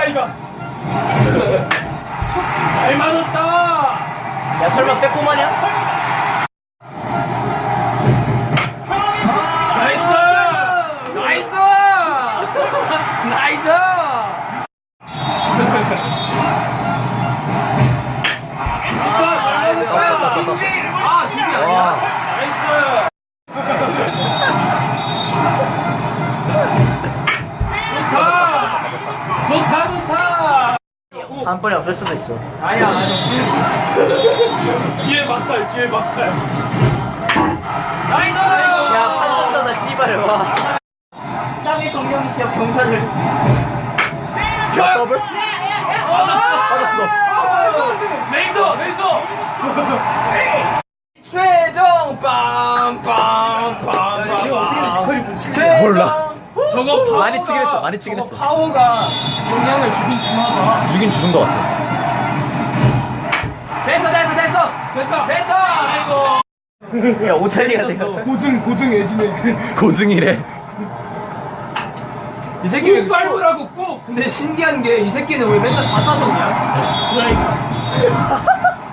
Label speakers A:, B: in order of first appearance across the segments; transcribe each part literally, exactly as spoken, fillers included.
A: 이거. 잘 맞았다.
B: 야 설마 빼꼼하냐?
A: 나이스. 나이스. 나이스. 좋다. 잘 맞았다. 김지. 아 김이 아니야. 나이스. 좋다. 좋다 좋다.
B: 한 번에 없을 수도 있어.
A: 아니야 아니야. 뒤에 막탈 뒤에 막탈. 나이스.
B: 야 판정사다 씨발 와. 땅의 정령이 시합 경사를. 야 더블?
A: 맞았어.
B: 맞았어.
A: 레이저 레이저.
B: 최종 빵빵빵빵.
C: 몰라.
A: 저거 파워가
C: 많이 치긴 했어, 많이 치긴
A: 저거
C: 했어.
A: 파워가 동양을 죽인 중하다.
C: 죽인 죽은 것 같아.
B: 됐어 됐어 됐어.
A: 됐다.
B: 됐어.
A: 아이고.
B: 야 오탈리가 내가.
A: 고증 고증 애지네.
C: 고증이래.
B: 이 새끼
A: 꾹 밟으라고 꾹.
B: 근데 신기한 게 이 새끼는 왜 맨날 다 타성이야?
A: 그러니까.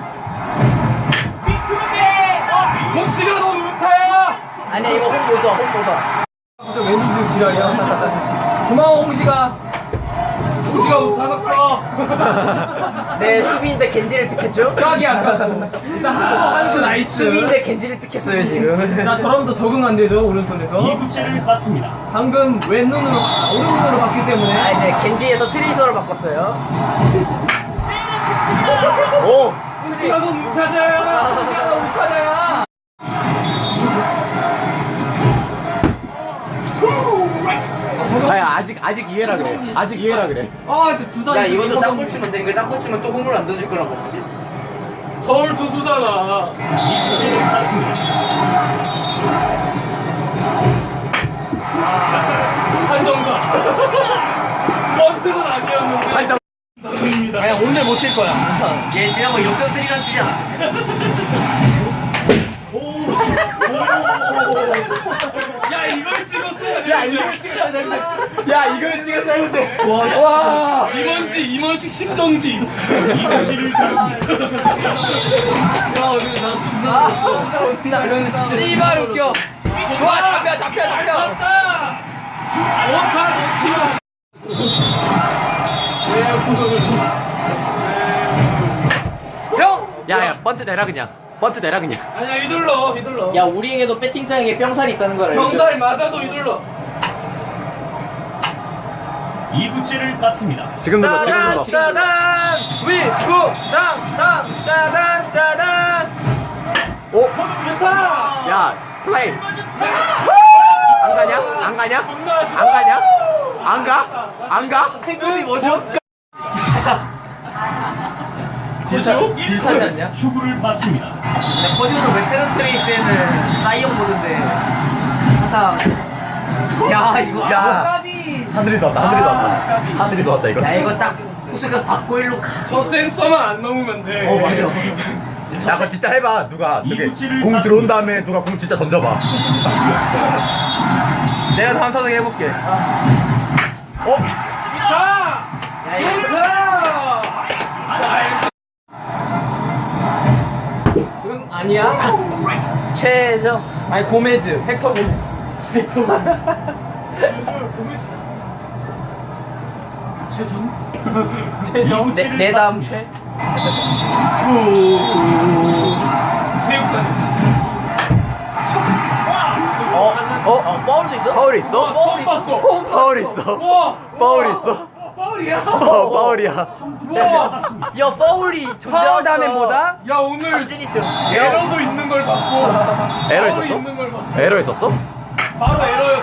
A: 홍씨가 너무 우타야.
B: 아니야 이거 홍보다 홍보다. 또 왼손 지랄이야. 고마워 홍시가.
A: 홍씨가 우타 샀어.
B: 네 수비인데 겐지를 픽했죠?
A: 깍이 아까. 한수 나이스.
B: 수비인데 겐지를 픽했어요 지금.
A: 나 저러면 더 적응 안 되죠 오른손에서.
D: 이 구째를 받습니다.
A: 방금 왼눈으로 아, 오른손으로 봤기 때문에.
B: 아 이제 겐지에서 트레이서로 바꿨어요.
C: 오.
A: 홍씨가 너무 우타자야.
B: 홍시가 너무 못하자야.
C: 아야 아직 아직 이해라 그래. 아직 이해라 그래.
A: 아, 두 단.
B: 야 이것도 땅볼 치면 돼. 이거 땅볼 치면 또 홈을 안 던질 거란 거지.
A: 서울 투수잖아.
D: 이 구째를 받습니다.
A: 한정사. 번트는 아니었는데.
C: 한정.
A: 사람입니다.
B: 그냥 오늘 못 칠 거야. 괜찮아. 얘 지난번 역전 스리런 치지 않았어.
A: 야, 이걸 찍었어야
C: 야
A: 돼.
C: 이걸 찍었어야 되는데. 야 이걸 찍었어야 되는데. 와. 와.
A: 임원지, 임원식 심정지.
D: 이 구째를 받습니다.
B: 아 진짜 웃긴다. 이러면 진짜 씨발 웃겨. 좋아 잡혀 잡혀
A: 잘
B: 잡혀.
A: 쳤다. 좋다.
B: 형.
C: 야야 번트 내라 그냥. 번트 내라 그냥.
A: 아니야, 휘둘러, 휘둘러.
B: 야 우리에게도 배팅장에 뿅살이 있다는 걸 알죠?
A: 병살 맞아도 휘둘러.
D: 이 구째를 받습니다.
C: 지금 눌러 지금 눌러.
B: 따단 위구 땅땅 따단 따단.
C: 오.
A: 좋다.
C: 야 플레이. 안 가냐? 안 가냐?
A: 존나 아쉽다.
C: 안 가냐? 안 가? 안 가?
B: 태극이 뭐죠?
A: 뭐죠?
B: 비슷하지 않냐?
D: 초구를 받습니다.
B: 근데 퍼즈도 웨테런 트레이스에는 사이언 모드인데 항상 야 이거
C: 야. 하늘이 더 왔다. 하늘이 더 왔다. 하늘이 더 왔다 이거.
B: 야 이거 딱 호수가 받고 일로 가.
A: 저 센서만 안 넘으면 돼.
B: 어 맞아.
C: 야 그거 진짜 해봐. 누가 저기
D: 이구치를
C: 공
D: 봤습니다.
C: 들어온 다음에 누가 공 진짜 던져봐. 내가 다음 타석 해볼게. 어?
A: 좋다.
B: 야 이거
A: 좋다.
B: 응 아니야? 최저
A: 아니, 고메즈. 헥터 고메즈. 헥터 고메즈. 최준?
B: 최저 내, 내 다음 최.
A: 체육관.
C: 어? 어?
B: 어 파울도 있어?
C: 파울이 있어?
A: 처음 봤어.
C: 파울이 있어?
A: 와.
C: 파울이 있어?
A: 파울이야.
C: 어 파울이야.
D: 구째를 받습니다.
B: 야 파울이 파울 다음에 뭐다?
A: 야, 오늘
B: 삼진 있죠.
A: 에러도 있는 걸 봤고.
C: 에러
A: 파울이
C: 있었어?
A: 있는 걸 봤어.
C: 에러 있었어?
A: 바로 에러였어.